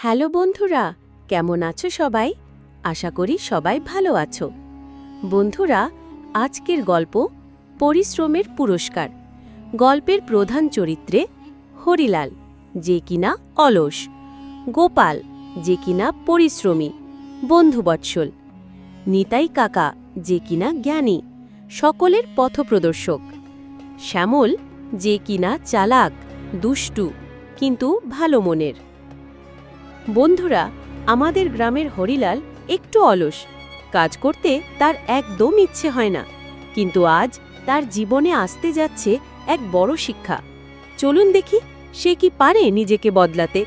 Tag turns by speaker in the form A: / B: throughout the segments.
A: Hello বন্ধুরা, কেমন আছো সবাই? আশা করি সবাই ভালো আছো। বন্ধুরা, আজকের গল্প পরিশ্রমের পুরস্কার। গল্পের প্রধান চরিত্রে হরিলাল, যে কিনা অলস, গোপাল, যে কিনা পরিশ্রমী, বন্ধুবৎসল, নিতাই কাকা, যে কিনা জ্ঞানী, সকলের পথপ্রদর্শক, শ্যামল, যে কিনা চালাক, দুষ্টু, কিন্তু ভালো মনের। বন্ধুরা, আমাদের গ্রামের হরিলাল একটু অলস, কাজ করতে তার একদম ইচ্ছে হয় না। কিন্তু আজ তার জীবনে আসতে যাচ্ছে এক বড় শিক্ষা। চলুন দেখি সে কি পারে নিজেকে বদলাতে।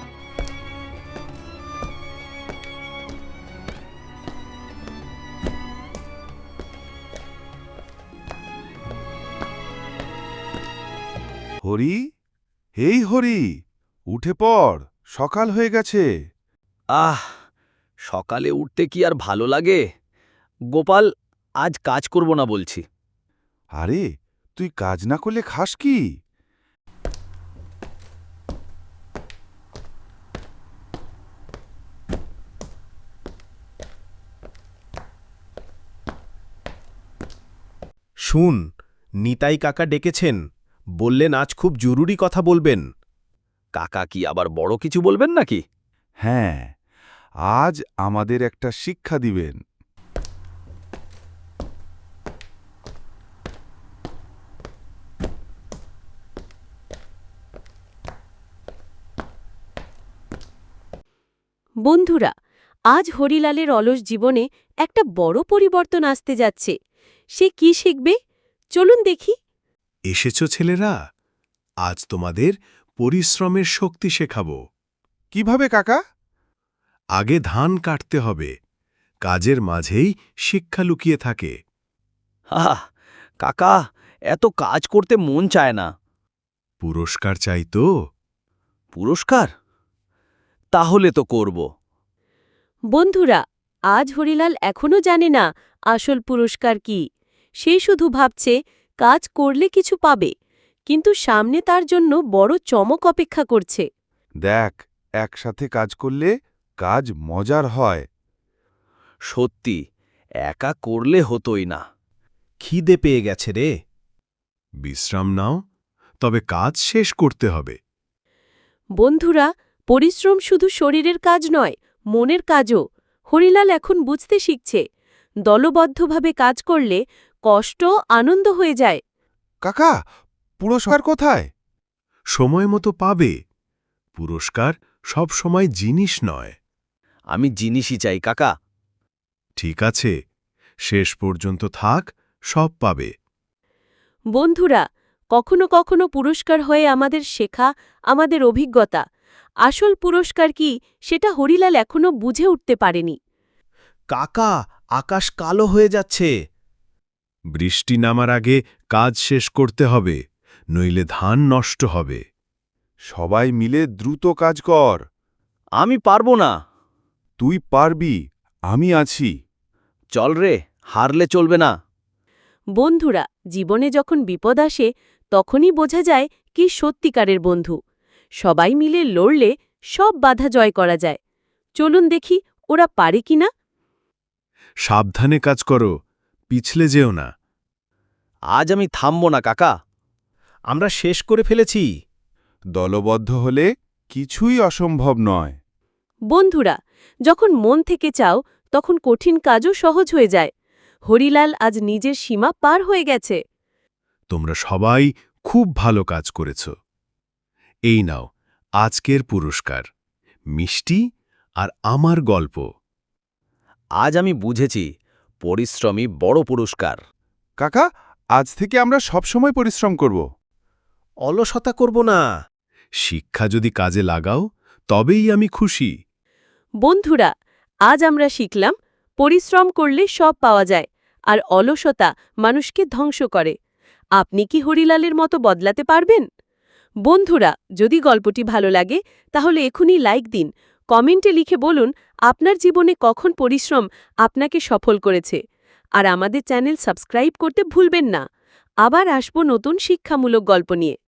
B: হরি, হেই হরি, উঠে পড়, সকাল হয়ে গেছে।
C: আহ, সকালে উঠতে কি আর ভালো লাগে? গোপাল, আজ কাজ করব না বলছি।
B: আরে, তুই কাজ না করলে খাস কি?
D: শুন, নিতাই কাকা ডেকেছেন, বললেন আজ খুব জরুরি কথা বলবেন।
C: কাকা কি আবার বড় কিছু বলবেন নাকি?
B: হ্যাঁ, আজ আমাদের একটা শিক্ষা দিবেন।
A: বন্ধুরা, আজ হরিলালের অলস জীবনে একটা বড় পরিবর্তন আসতে যাচ্ছে। সে কি শিখবে? চলুন দেখি।
D: এসেছো ছেলেরা, আজ তোমাদের পরিশ্রমের শক্তি শেখাব।
B: কিভাবে কাকা?
D: আগে ধান কাটতে হবে, কাজের মাঝেই শিক্ষা লুকিয়ে থাকে।
C: আহ, কাকা, এত কাজ করতে মন চায় না।
D: পুরস্কার চাই তো?
C: পুরস্কার? তাহলে তো করব।
A: বন্ধুরা, আজ হরিলাল এখনও জানে না আসল পুরস্কার কি। সে শুধু ভাবছে কাজ করলে কিছু পাবে, কিন্তু সামনে তার জন্য বড় চমক অপেক্ষা করছে।
B: দেখ, একসাথে কাজ করলে কাজ মজার হয়।
C: সত্যি, একা করলে হতোই না।
D: খিদে পেয়ে গেছে রে। বিশ্রাম নাও, তবে কাজ শেষ করতে হবে।
A: বন্ধুরা, পরিশ্রম শুধু শরীরের কাজ নয়, মনের কাজও। হরিলাল এখন বুঝতে শিখছে, দলবদ্ধভাবে কাজ করলে কষ্ট আনন্দ হয়ে যায়।
B: কাকা, পুরস্কার কোথায়?
D: সময় মতো পাবে। পুরস্কার সব সময় জিনিস নয়।
C: আমি জিনিসই চাই কাকা।
D: ঠিক আছে, শেষ পর্যন্ত থাক, সব পাবে।
A: বন্ধুরা, কখনো কখনো পুরস্কার হয়ে আমাদের শেখা, আমাদের অভিজ্ঞতা। আসল পুরস্কার কি সেটা হরিলাল এখনো বুঝে উঠতে পারেনি।
D: কাকা, আকাশ কালো হয়ে যাচ্ছে। বৃষ্টি নামার আগে কাজ শেষ করতে হবে, নইলে ধান নষ্ট হবে।
B: সবাই মিলে দ্রুত কাজ কর।
C: আমি পারবো না।
B: তুই পারবি, আমি আছি।
C: চল রে, হারলে চলবে না।
A: বন্ধুরা, জীবনে যখন বিপদ আসে তখনই বোঝা যায় কি সত্যিকারের বন্ধু। সবাই মিলে লড়লে সব বাধা জয় করা যায়। চলুন দেখি ওরা পারে কিনা।
D: সাবধানে কাজ করো, পিছলে যেও না।
C: আজ আমি থামব না কাকা।
D: আমরা শেষ করে ফেলেছি।
B: দলবদ্ধ হলে কিছুই অসম্ভব নয়।
A: বন্ধুরা, যখন মন থেকে চাও তখন কঠিন কাজও সহজ হয়ে যায়। হরিলাল আজ নিজের সীমা পার হয়ে গেছে।
D: তোমরা সবাই খুব ভালো কাজ করেছ। এই নাও আজকের পুরস্কার, মিষ্টি আর আমার গল্প।
C: আজ আমি বুঝেছি, পরিশ্রমই বড় পুরস্কার।
B: কাকা, আজ থেকে আমরা সবসময় পরিশ্রম করব।
D: অলসতা করব না। শিক্ষা যদি কাজে লাগাও, তবেই আমি খুশি।
A: বন্ধুরা, আজ আমরা শিখলাম পরিশ্রম করলে সব পাওয়া যায়, আর অলসতা মানুষকে ধ্বংস করে। আপনি কি হরিলালের মতো বদলাতে পারবেন? বন্ধুরা, যদি গল্পটি ভালো লাগে তাহলে এখনই লাইক দিন, কমেন্টে লিখে বলুন আপনার জীবনে কখন পরিশ্রম আপনাকে সফল করেছে। আর আমাদের চ্যানেল সাবস্ক্রাইব করতে ভুলবেন না। আবার আসব নতুন শিক্ষামূলক গল্প নিয়ে।